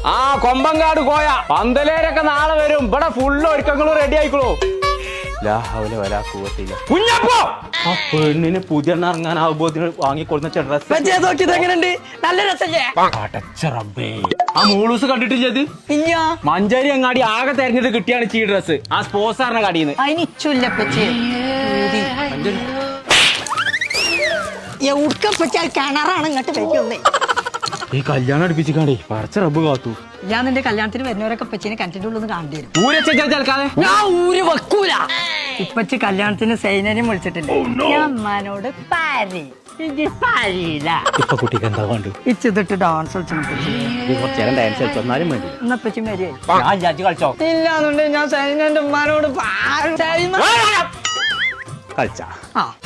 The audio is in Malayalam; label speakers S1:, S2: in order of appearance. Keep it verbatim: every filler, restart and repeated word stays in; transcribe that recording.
S1: ആ കൊമ്പങ്കാട് കോയ പന്തലേരൊക്കെ നാളെ വരും. ഇവിടെ ഫുള്ള് ഒരുക്കങ്ങളും റെഡി ആയിക്കോളൂ. കുഞ്ഞപ്പോ ആ പെണ്ണിന് പുതിയ ഇറങ്ങാനാവുമ്പോ വാങ്ങിക്കൊടുന്ന ഡ്രസ്
S2: നല്ല രസല്ലേ?
S1: ആ മൂളൂസ് കണ്ടിട്ടില്ലത്? മഞ്ചേരി അങ്ങാടി ആകെ തെരഞ്ഞെടുത്ത് കിട്ടിയാണ് ഈ ഡ്രസ്. ആ സ്പോർട്സാറിന്റെ കടയിന്ന്
S2: കിണറാണ് ഇങ്ങോട്ട് വെക്കുന്നേ.
S1: ഈ കല്യാണം അടുപ്പിച്ചിക്കാണ്ടേ പറിച്ച റബ്ബ് കാത്തു.
S2: ഞാൻ നിന്റെ കല്യാണത്തിന് വരുന്നവരൊക്കെ പച്ചീനെ കിണറ്റിന്റെ ഉള്ളിൽ കാണേണ്ടി വരും.
S1: ഊരച്ചാൽക്കാതെ
S2: ഞാൻ ഊര് വെക്കൂല. ഇപ്പച്ചി കല്യാണത്തിന് സൈനനെയും വിളിച്ചിട്ടില്ല. ഞാൻ അമ്മാനോട് പാരി
S1: ഇപ്പൊ കുട്ടിക്ക് എന്താ വേണ്ടു?
S2: ഇച്ചിട്ട് ഡാൻസ് കളിച്ചു
S1: ഡാൻസ് കളിച്ചോന്നാലും വേണ്ടി
S2: എന്നപ്പച്ചി മരിയായി
S1: ഞാൻ വിചാരിച്ചു കളിച്ചോ.
S2: ഇല്ലാന്നുണ്ടെങ്കിൽ ഞാൻ സൈനന്റെ ഉമ്മാനോട്
S1: കളിച്ചാ
S2: ആ